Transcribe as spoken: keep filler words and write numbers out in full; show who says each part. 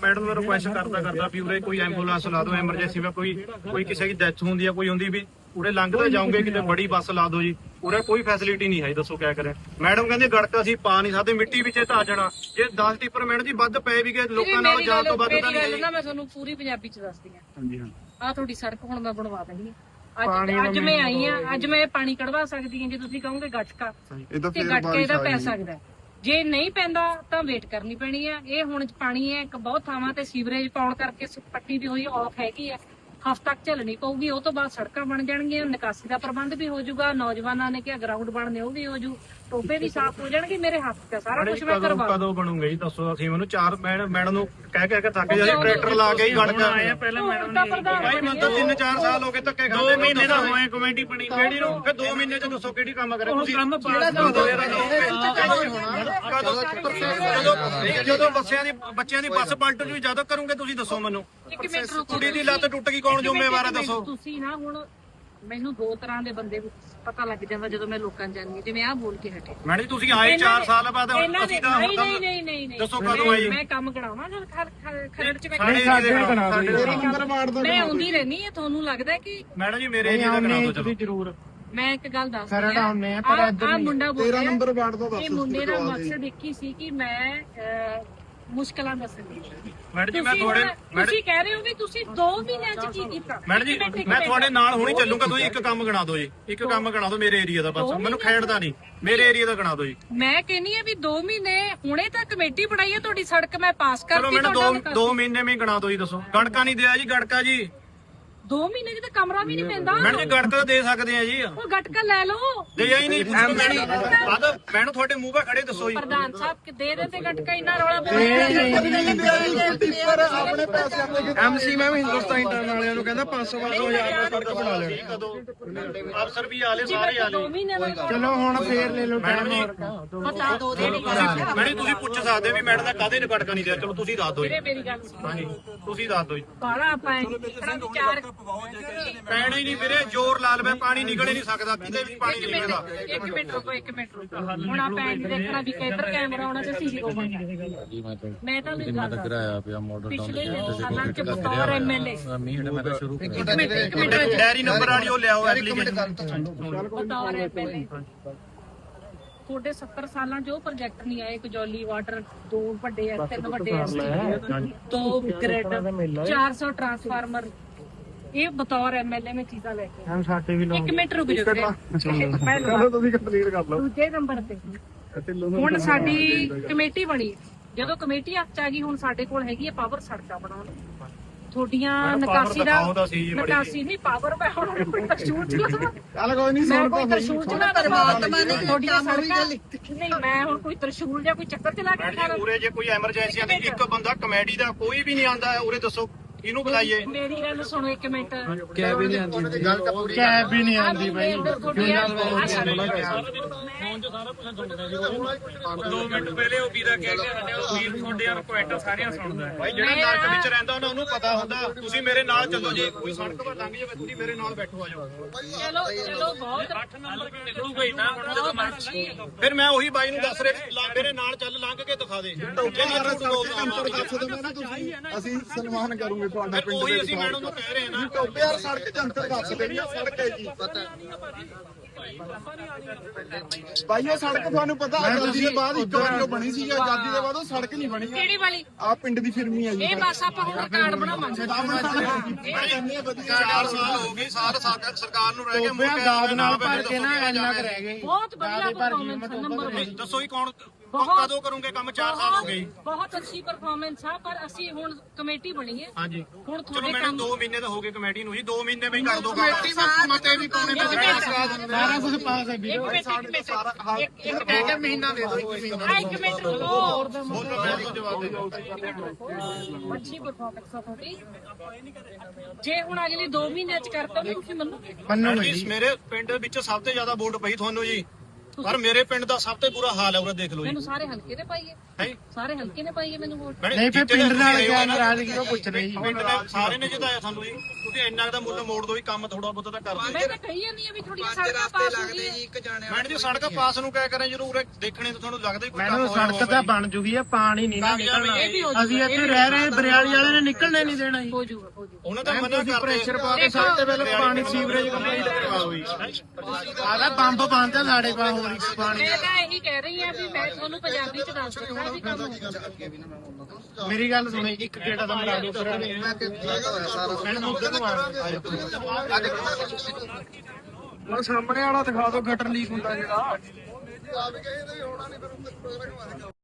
Speaker 1: Madam ਨੂੰ request ਕਰਦਾ ਕਰਦਾ ਵੀ ਉਰੇ ਕੋਈ ਐਂਬੂਲੈਂਸ ਲਾ ਦਿਓ ਐਮਰਜੈਂਸੀ ਵਿੱਚ ਕੋਈ ਕੋਈ ਕਿਸੇ ਦੀ ਡੈਥ ਹੁੰਦੀ ਹੈ ਕੋਈ ਹੁੰਦੀ ਵੀ ਉਰੇ ਲੰਘਦੇ ਜਾਓਗੇ ਕਿਤੇ ਬੜੀ ਬੱਸ ਲਾ ਦਿਓ ਜੀ ਉਰੇ ਕੋਈ ਫੈਸਿਲਿਟੀ ਨਹੀਂ ਹੈ ਦੱਸੋ ਕਿਆ ਕਰੇ ਮੈਡਮ ਕਹਿੰਦੇ ਗੜਕਾ ਅਸੀਂ ਪਾ ਨਹੀਂ ਸਕਦੇ ਮਿੱਟੀ ਵਿੱਚ ਧਾ ਜਾਣਾ ਜੇ ਦਸ ਟਿੱਪਰ ਮੈਡਮ ਜੀ ਵੱਧ ਪਏ ਵੀ ਗਏ ਲੋਕਾਂ ਨਾਲ ਜਾਣ ਤੋਂ ਵੱਧ ਤਾਂ ਨਹੀਂ
Speaker 2: ਨਾ ਮੈਂ ਤੁਹਾਨੂੰ ਪੂਰੀ ਪੰਜਾਬੀ ਚ ਦੱਸਦੀ ਹਾਂ
Speaker 1: ਹਾਂਜੀ ਹਾਂ
Speaker 2: ਆ ਤੁਹਾਡੀ ਸੜਕ ਹੁਣ ਮੈਂ ਬਣਵਾ ਦੇਣੀ ਅੱਜ ਅੱਜ ਮੈਂ ਆਈ ਆ ਅੱਜ ਮੈਂ ਪਾਣੀ ਕਢਵਾ ਸਕਦੀ ਹਾਂ ਜੇ ਤੁਸੀਂ ਕਹੋਗੇ ਗਟਕਾ ਤੇ ਗਟਕੇ ਦਾ ਪੈ ਸਕਦਾ ਜੇ ਨਹੀਂ ਪੈਂਦਾ ਤਾਂ ਵੇਟ ਕਰਨੀ ਪੈਣੀ ਆ ਇਹ ਹੁਣ ਪਾਣੀ ਹੈ ਇੱਕ ਬਹੁਤ ਥਾਵਾਂ ਤੇ ਸੀਵਰੇਜ ਪਾਉਣ ਕਰਕੇ ਪੱਟੀ ਵੀ ਹੋਈ ਆਫ ਹੈਗੀ ਆ ਹਫ਼ਤਾ ਤੱਕ ਝੱਲਣੀ ਪਊਗੀ ਉਹ ਤੋਂ ਬਾਅਦ ਸੜਕਾਂ ਬਣ ਜਾਣਗੀਆਂ ਨਿਕਾਸੀ ਦਾ ਪ੍ਰਬੰਧ ਵੀ ਹੋ ਜਾਊਗਾ ਨੌਜਵਾਨਾਂ ਨੇ ਕਿਹਾ ਗਰਾਊਂਡ ਬਣਨੇ ਉਹ ਵੀ ਹੋ ਜੂ ਟੋਬੇ ਵੀ ਸਾਫ਼ ਹੋ ਜਾਣਗੇ ਮੇਰੇ ਹੱਥ ਤੇ ਸਾਰਾ ਕੁਝ ਮੈਂ ਕਰਵਾ
Speaker 1: ਕਦੋਂ ਬਣੂਗਾ ਜੀ ਦੱਸੋ ਅਸੀਂ ਮੈਨੂੰ ਚਾਰ ਮੈਡਮ ਨੂੰ ਕਹਿ ਕਹਿ ਕੇ ਥੱਕ ਜਾਂਦੇ ਟਰੈਕਟਰ ਲਾ ਕੇ ਹੀ ਗੜਕਾ ਆਏ ਆ ਪਹਿਲਾਂ ਮੈਡਮ ਨੇ ਭਾਈ ਮੈਨੂੰ ਤਾਂ ਤਿੰਨ ਚਾਰ ਸਾਲ ਹੋ ਗਏ ਧੱਕੇ ਖਾਂਦੇ ਦੋ ਮਹੀਨੇ ਦਾ ਹੋਏ ਕਮੇਟੀ ਬਣੀ ਕਿਹੜੀ ਨੂੰ ਫਿਰ ਦੋ ਮਹੀਨੇ ਚ ਦੱਸੋ ਕਿਹੜੀ ਕੰਮ ਕਰੇ ਤੁਸੀਂ ਕੰਮ ਜਦੋਂ ਬੱਸਿਆਂ ਦੀ ਬੱਚਿਆਂ ਦੀ ਬੱਸ ਪਲਟ ਜੂ ਜਦੋਂ ਕਰੋਗੇ ਤੁਸੀਂ ਦੱਸੋ ਮੈਨੂੰ ਕੁੜੀ ਦੀ ਲੱਤ ਟੁੱਟ ਗਈ ਕੌਣ ਜ਼ਿੰਮੇਵਾਰ ਹੈ ਦੱਸੋ
Speaker 2: ਤੁਸੀਂ ਨਾ ਹੁਣ ਮੈਨੂੰ ਦੋ ਤਰ੍ਹਾਂ ਦੇ ਬੰਦੇ ਪਤਾ ਲੱਗ ਜਾਂਦਾ ਜਦੋਂ ਮੈਂ ਲੋਕਾਂ ਜਾਣੀ ਜਿਵੇਂ ਆਹ ਬੋਲ ਕੇ ਹਟੇ
Speaker 1: ਮੈਡਮ ਜੀ ਤੁਸੀਂ ਆਏ ਚਾਰ ਸਾਲ ਬਾਅਦ ਅਸੀਂ ਤਾਂ
Speaker 2: ਨਹੀਂ ਨਹੀਂ ਨਹੀਂ ਨਹੀਂ ਨਹੀਂ
Speaker 1: ਦੱਸੋ ਕਦੋਂ ਆਏ
Speaker 2: ਮੈਂ ਕੰਮ ਕਰਾਉਣਾ ਜਦ ਖਰੜ ਚ
Speaker 1: ਮੈਂ
Speaker 2: ਮੈਂ ਆਉਂਦੀ ਰਹਿਣੀ ਹੈ ਤੁਹਾਨੂੰ ਲੱਗਦਾ ਕਿ
Speaker 1: ਮੈਡਮ ਜੀ ਮੇਰੇ ਏਰੀਆ ਦਾ ਕਰਾ ਦਿਓ ਚਲੋ
Speaker 2: ਜ਼ਰੂਰ ਮੈਂ ਇੱਕ ਗੱਲ ਦੱਸ ਰਹੀ ਹਾਂ ਆ ਮੁੰਡਾ ਬੋਲਿਆ ਨੰਬਰ ਵਾਰਡ ਤੋਂ ਦੱਸ ਇਹ ਮੁੰਡੇ ਦਾ ਮਕਸਦ ਇੱਕ ਹੀ ਸੀ ਕਿ ਮੈਂ ਮੁਸ਼ਕਲਾਂ ਦੱਸਣੀ
Speaker 1: ਮੈਡਮ ਜੀ ਮੈਂ ਤੁਹਾਡੇ
Speaker 2: ਤੁਸੀਂ ਕਹਿ ਰਹੇ ਹੋ ਵੀ ਤੁਸੀਂ ਦੋ ਮਹੀਨਿਆਂ ਚ ਕੀ ਕੀਤਾ
Speaker 1: ਮੈਡਮ ਜੀ ਮੈਂ ਤੁਹਾਡੇ ਨਾਲ ਹੁਣੀ ਚੱਲੂਗਾ ਤੁਸੀਂ ਇੱਕ ਕੰਮ ਗਣਾ ਦਿਓ ਜੀ ਇੱਕ ਕੰਮ ਗਣਾ ਦਿਓ ਮੇਰੇ ਏਰੀਆ ਦਾ ਬਸ ਮੈਨੂੰ ਖੇਡਦਾ ਨਹੀਂ ਮੇਰੇ ਏਰੀਆ ਦਾ ਗਣਾ ਦਿਓ ਜੀ
Speaker 2: ਮੈਂ ਕਹਿੰਨੀ ਆ ਵੀ ਦੋ ਮਹੀਨੇ ਹੁਣੇ ਤਾਂ ਕਮੇਟੀ ਬਣਾਈ ਹੈ ਤੁਹਾਡੀ ਸੜਕ ਮੈਂ ਪਾਸ ਕਰਤੀ
Speaker 1: ਚਲੋ ਮੈਨੂੰ ਦੋ ਦੋ ਮਹੀਨੇ ਵਿੱਚ ਗਣਾ ਦਿਓ ਜੀ ਦੱਸੋ ਗੜਕਾ ਨਹੀਂ ਦਿਆ ਜੀ ਗੜਕਾ ਜੀ
Speaker 2: ਦੋ ਮਹੀਨੇ ਚ ਤਾਂ ਕਮਰਾ ਵੀ ਨਹੀਂ ਪੈਂਦਾ
Speaker 1: ਮੈਡਮ ਜੀ ਗੜਕਾ ਦੇ ਸਕਦੇ ਆ ਜੀ
Speaker 2: ਉਹ ਗਟਕਾ ਲੈ ਲਓ
Speaker 1: ਦੇ ਹੀ ਨਹੀਂ ਮੈਨੂੰ ਤੁਹਾਡੇ ਮੂੰਹ 'ਤੇ ਖੜੇ ਦੱਸੋ ਜੀ
Speaker 2: ਪ੍ਰਧਾਨ ਸਾਹਿਬ ਕਿ ਦੇ ਦੇ ਤੇ ਗਟਕਾ ਇੰਨਾ ਰੌਲਾ
Speaker 3: ਆਪਣੇ ਪੈਸੇ ਆਪਣੇ ਐਮਸੀ ਮੈਂ ਵੀ ਹਿੰਦੁਸਤਾਨ ਇੰਟਰਨ ਵਾਲਿਆਂ ਨੂੰ ਕਹਿੰਦਾ ਪੰਜ ਸੌ ਪੰਜ ਸੌ ਹਜ਼ਾਰ ਦਾ ਸੜਕ ਬਣਾ ਲੈਣੀ
Speaker 1: ਅਫਸਰ ਵੀ ਆਲੇ ਸਾਰੇ ਆਲੇ
Speaker 3: ਚਲੋ ਹੁਣ ਫੇਰ ਲੈ ਲਓ
Speaker 1: ਮੈਡਮ ਜੀ
Speaker 2: ਪਤਾ ਦੋ ਦੇ
Speaker 1: ਮੈਡਮ ਤੁਸੀਂ ਪੁੱਛ ਸਕਦੇ ਵੀ ਮੈਡਮ ਦਾ ਕਾਹਦੇ ਨੇ ਗਟਕਾ ਨਹੀਂ ਦਿਆ ਚਲੋ ਤੁਸੀਂ ਦੱਸ ਦਿਓ ਜੀ
Speaker 2: ਮੇਰੀ ਗੱਲ ਸੁਣੋ
Speaker 1: ਹਾਂਜੀ ਤੁਸੀਂ ਦੱਸ ਦਿਓ ਜੀ
Speaker 2: ਬਾਲਾ ਆਪਾਂ ਵਿਚਾਰ
Speaker 1: ਪੈਣਾ ਹੀ ਨਹੀਂ ਵੀਰੇ ਜ਼ੋਰ ਲਾ ਲਵੇ ਪਾਣੀ ਨਿਕਲ ਹੀ ਨਹੀਂ ਸਕਦਾ ਕਿਤੇ ਵੀ ਪਾਣੀ ਨਹੀਂ ਨਿਕਲਦਾ
Speaker 2: ਇੱਕ ਮਿੰਟ ਰੁਕੋ ਇੱਕ ਮਿੰਟ ਰੁਕੋ ਹੁਣ ਆਪਾਂ ਇਹ ਦੇਖਣਾ ਵੀ ਕਿੱਧਰ ਕੈਮਰਾ ਆਉਣਾ ਤੇ ਸੀਸੀ ਹੋਊਗਾ ਮੈਂ ਤਾਂ ਨਹੀਂ ਗੱਲ
Speaker 4: ਕਰਾਇਆ ਪਿਆ ਮਾਡਲ ਟਾਊਨ
Speaker 2: ਪਿਛਲੇ ਸਾਲਾਂ ਚ ਬਤੌਰ ਐਮਐਲਏ
Speaker 4: ਮੀਂਹ ਮੈਂ ਤਾਂ ਸ਼ੁਰੂ
Speaker 2: ਇੱਕ ਮਿੰਟ ਇੱਕ ਮਿੰਟ
Speaker 1: ਡੈਰੀ ਨੰਬਰ ਵਾਲੀ ਉਹ ਲਿਆਓ ਐਪਲੀਕੇਸ਼ਨ
Speaker 2: ਬਤੌਰ ਐਮਐਲਏ ਤੁਹਾਡੇ ਸੱਤਰ ਸਾਲਾਂ ਚ ਉਹ ਪ੍ਰੋਜੈਕਟ ਨਹੀਂ ਆਏ ਕਜੌਲੀ ਵਾਟਰ ਦੋ ਵੱਡੇ ਆ ਤਿੰਨ ਵੱਡੇ ਆ ਦੋ ਗ੍ਰਿਡ ਚਾਰ ਸੌ ਟਰਾਂਸਫਾਰਮਰ ਇਹ ਬਤੌਰ ਐਮਐਲਏ ਮੈਂ ਚੀਜ਼ਾਂ ਲੈ ਕੇ
Speaker 3: ਹਮ ਸਾਡੇ ਵੀ
Speaker 2: ਇੱਕ ਮਿੰਟ ਰੁਕ ਜਾਓ
Speaker 3: ਚਲੋ ਤੁਸੀਂ ਕੰਪਲੀਟ ਕਰ ਲਓ
Speaker 2: ਦੂਜੇ ਨੰਬਰ ਤੇ ਹੁਣ ਸਾਡੀ ਕਮੇਟੀ ਬਣੀ ਜਦੋਂ ਕਮੇਟੀ ਹੱਥ ਚ ਆ ਗਈ ਹੁਣ ਸਾਡੇ ਕੋਲ ਹੈਗੀ ਹੈ ਪਾਵਰ ਸੜਕਾਂ ਬਣਾਉਣ ਤੁਹਾਡੀਆਂ ਨਿਕਾਸੀ ਦਾ ਨਿਕਾਸੀ ਨਹੀਂ ਪਾਵਰ ਮੈਂ ਹੁਣ ਕੋਈ ਤਰਸ਼ੂਲ ਚਲਾਵਾਂ
Speaker 3: ਚੱਲ ਕੋਈ ਨਹੀਂ
Speaker 2: ਮੈਂ ਕੋਈ ਤਰਸ਼ੂਲ ਚਲਾ ਪਰਮਾਤਮਾ ਨੇ ਤੁਹਾਡੀਆਂ ਸੜਕਾਂ ਨਹੀਂ ਮੈਂ ਹੁਣ ਕੋਈ ਤਰਸ਼ੂਲ ਜਾਂ ਕੋਈ ਚੱਕਰ ਚਲਾ ਕੇ ਖਾ
Speaker 1: ਉਰੇ ਜੇ ਕੋਈ ਐਮਰਜੈਂਸੀ ਆਂਦੀ ਇੱਕ ਬੰਦਾ ਕਮੇਡੀ ਦਾ ਕੋਈ ਵੀ ਨਹੀਂ ਆਂਦਾ ਉਰੇ ਦੱਸੋ ਇਹਨੂੰ ਬੁਲਾਈਏ
Speaker 2: ਮੇਰੀ ਗੱਲ ਸੁਣੋ ਇੱਕ ਮਿੰਟ
Speaker 3: ਕੈਬ ਵੀ ਨਹੀਂ ਆਉਂਦੀ ਕੈਬ ਵੀ ਨਹੀਂ ਆਉਂਦੀ ਬਾਈ
Speaker 1: ਦੋ ਮਿੰਟ ਪਹਿਲੇ ਉਹ ਵੀਰਾ ਕਹਿ ਕੇ ਹਟਿਆ ਉਹ ਵੀਰ ਤੁਹਾਡੇ ਰਿਕੁਐਸਟ ਸਾਰਿਆਂ ਸੁਣਦਾ ਭਾਈ ਜਿਹੜਾ ਨਰਕ ਵਿੱਚ ਰਹਿੰਦਾ ਉਹਨਾਂ ਨੂੰ ਪਤਾ ਹੁੰਦਾ ਤੁਸੀਂ ਮੇਰੇ ਨਾਲ ਚੱਲੋ ਜੀ ਕੋਈ ਸੜਕ 'ਤੇ ਲੰਘ ਜਾਵੇ ਤੁਸੀਂ ਮੇਰੇ ਨਾਲ ਬੈਠੋ ਆ ਜਾਓ
Speaker 2: ਚਲੋ ਚਲੋ ਬਹੁਤ
Speaker 1: ਅੱਠ ਨੰਬਰ ਨਿਕਲੂਗਾ ਹੀ ਨਾ ਹੁਣ ਜਦੋਂ ਮਰਜ਼ੀ ਫਿਰ ਮੈਂ ਉਹੀ ਬਾਈ ਨੂੰ ਦੱਸ ਰਿਹਾ ਮੇਰੇ ਨਾਲ ਚੱਲ ਲੰਘ ਕੇ ਦਿਖਾ ਦੇ
Speaker 3: ਅਸੀਂ ਸਨਮਾਨ ਕਰੂਗੇ ਤੁਹਾਡਾ ਪਿੰਡ
Speaker 1: ਉਹੀ ਅਸੀਂ ਮੈਡਮ ਨੂੰ ਕਹਿ ਰਹੇ ਨਾ
Speaker 3: ਟੋਬੇ ਯਾਰ ਸੜਕ ਜੰਤਰ ਦੱਸ ਦੇਣੀ ਆ ਸੜਕ ਹੈ ਜੀ ਭਾਈ ਉਹ ਸੜਕ ਤੁਹਾਨੂੰ ਪਤਾ ਆਜ਼ਾਦੀ ਦੇ ਬਾਅਦ ਇੱਕ ਵਾਰ ਬਣੀ ਸੀ ਆਜ਼ਾਦੀ ਦੇ ਬਾਅਦ ਉਹ ਸੜਕ ਨਹੀਂ ਬਣੀ
Speaker 2: ਕਿਹੜੀ ਵਾਲੀ
Speaker 3: ਆ ਪਿੰਡ ਦੀ ਫਿਰਮੀ ਹੈ ਜੀ
Speaker 2: ਇਹ ਬਸ ਆਪਾਂ ਹੁਣ ਕਾਰਡ ਬਣਾਵਾਂਗੇ
Speaker 1: ਚਾਰ ਸਾਲ ਹੋ ਗਏ ਸਾਰ ਸਰਕਾਰ ਨੂੰ ਰਹਿ ਗਏ
Speaker 3: ਦਾਦ ਨਾਲ ਭਰ ਕੇ ਨਾ ਇੰਨਾ ਕੁ ਰਹਿ ਗਏ
Speaker 2: ਬਹੁਤ ਵਧੀਆ ਪਰਫਾਰਮੈਂਸ ਨੰਬਰ ਇੱਕ
Speaker 1: ਦੱਸੋ ਹੀ ਕੌਣ ਕਦੋਂ ਕਰੋਗੇ ਕੰਮ ਚਾਰ ਸਾਲ ਹੋ ਗਏ
Speaker 2: ਬਹੁਤ ਅੱਛੀ ਪਰਫਾਰਮੈਂਸ ਆ ਪਰ ਅਸੀਂ ਹੁਣ ਕਮੇਟੀ ਬਣੀ ਹੈ
Speaker 1: ਹਾਂਜੀ
Speaker 2: ਹੁਣ
Speaker 1: ਚਲੋ
Speaker 2: ਤੁਹਾਡੇ
Speaker 1: ਮੈਨੂੰ
Speaker 2: ਕੰਮ
Speaker 1: ਦੋ ਮਹੀਨੇ ਤਾਂ ਹੋ ਗਏ ਕਮੇਟੀ ਨੂੰ ਜੀ ਦੋ ਮਹੀਨੇ ਵਿੱਚ ਕਰ ਦੋ
Speaker 3: ਕਮੇਟੀ ਵਿੱਚ ਮਤੇ ਵੀ ਪਾਉਣੇ ਸਾਰਾ ਕੁਝ ਪਾਸ ਹੈ ਵੀਰੇ
Speaker 2: ਇੱਕ ਮਿੰਟ ਇੱਕ ਮਿੰਟ ਇੱਕ ਇੱਕ
Speaker 3: ਕਹਿ ਕੇ ਮਹੀਨਾ ਦੇ ਦਿਓ ਇੱਕ ਮਹੀਨਾ
Speaker 2: ਆ ਇੱਕ ਮਿੰਟ ਰੁਕੋ
Speaker 1: ਬੋਲੋ ਮੈਂ ਤੁਹਾਨੂੰ ਜਵਾਬ ਦੇ ਦਿਓ
Speaker 2: ਅੱਛੀ ਪਰਫਾਰਮੈਂਸ ਆ ਤੁਹਾਡੀ ਜੇ ਹੁਣ ਅਗਲੇ ਦੋ ਮਹੀਨਿਆਂ ਚ ਕਰਤਾ ਤਾਂ ਤੁਸੀਂ ਮੰਨੋਗੇ
Speaker 1: ਮੰਨੋਗੇ ਜੀ ਮੇਰੇ ਪਿੰਡ ਵਿੱਚ ਸਭ ਤੋਂ ਜ਼ਿਆਦਾ ਵੋਟ ਪਈ ਤੁਹਾਨੂੰ ਜੀ ਪਰ ਮੇਰੇ ਪਿੰਡ ਦਾ ਸਭ ਤੋਂ ਬੁਰਾ ਹਾਲ ਹੈ ਉਹ ਦੇਖ ਲਓ ਜੀ
Speaker 2: ਮੈਨੂੰ ਸਾਰੇ ਹਲਕੇ ਨੇ ਪਾਈਏ
Speaker 1: ਹੈ
Speaker 2: ਸਾਰੇ ਹਲਕੇ ਨੇ ਪਾਈਏ ਮੈਨੂੰ ਵੋਟ
Speaker 3: ਨਹੀਂ ਫਿਰ ਪਿੰਡ ਨਾਲ ਕਿਆ ਨਾਰਾਜ਼ਗੀ ਉਹ ਪੁੱਛ ਰਹੀ
Speaker 1: ਪਿੰਡ ਨੇ ਸਾਰੇ ਨੇ ਜਿਤਾਇਆ ਸਾਨੂੰ ਜੀ ਤੁਸੀਂ ਇੰਨਾ ਦਾ ਮੁੱਲ ਮੋੜ ਦੋ ਵੀ ਕੰਮ ਥੋੜਾ ਬਹੁਤਾ ਤਾਂ ਕਰ
Speaker 2: ਮੈਂ ਤਾਂ ਕਹੀ ਜਾਂਦੀ ਆ ਵੀ ਥੋੜੀਆਂ ਸੜਕਾਂ ਪਾਸ ਹੋ ਗਈਆਂ।
Speaker 1: ਮੈਡਮ ਜੀ ਸੜਕ ਪਾਸ ਨੂੰ ਕਿਆ ਕਰਾਂ ਜਦੋਂ ਉਰੇ ਦੇਖਣੇ ਤਾਂ ਤੁਹਾਨੂੰ ਲੱਗਦਾ ਹੀ ਕੋਈ
Speaker 5: ਮੈਨੂੰ ਸੜਕ ਤਾਂ ਬਣ ਜੂਗੀ ਆ, ਪਾਣੀ ਨਹੀਂ ਨਾ ਨਿਕਲਣਾ।
Speaker 2: ਇਹ ਵੀ ਹੋ
Speaker 5: ਅਸੀਂ ਇੱਥੇ ਰਹਿ ਰਹੇ ਬਰਿਆਲੀ ਵਾਲੇ ਨੇ ਨਿਕਲਣੇ ਨਹੀਂ ਦੇਣਾ ਜੀ।
Speaker 2: ਹੋ ਜਾਊਗਾ ਹੋ ਜਾਊਗਾ।
Speaker 1: ਉਹਨਾਂ ਦਾ ਮਨਾ ਕਰਦੇ
Speaker 5: ਪ੍ਰੈਸ਼ਰ ਪਾ ਕੇ ਸਭ ਤੋਂ ਪਹਿਲਾਂ ਪਾਣੀ ਸੀਵਰੇਜ ਕੰਪਲੀਟ ਕਰਵਾਓ ਜੀ। ਆਦਾ ਪੰਪ ਬੰਦ ਆ ਸਾਡੇ ਕੋਲ ਹੋਰ ਇੱਕ ਪਾਣੀ।
Speaker 2: ਮੈਂ ਤਾਂ ਇਹੀ ਕਹਿ ਰਹੀ ਆ ਵੀ ਮੈਂ ਤੁਹਾਨੂੰ ਪੰਜਾਬੀ ਚ ਦੱਸ ਦਿੰਦਾ ਵੀ ਕੰਮ ਹੋਊਗਾ।
Speaker 5: ਮੇਰੀ ਗੱਲ ਸੁਣੋ, ਇੱਕ ਗੇੜਾ ਤਾਂ ਮਰਾ ਦਿਓ ਫਿਰ। ਮੈਨੂੰ ਉੱਧਰ ਨੂੰ ਆ ਹੁਣ ਸਾਹਮਣੇ ਵਾਲਾ ਦਿਖਾ ਦਿਓ, ਗਟਰ ਲੀਕ ਹੁੰਦਾ ਜਿਹੜਾ।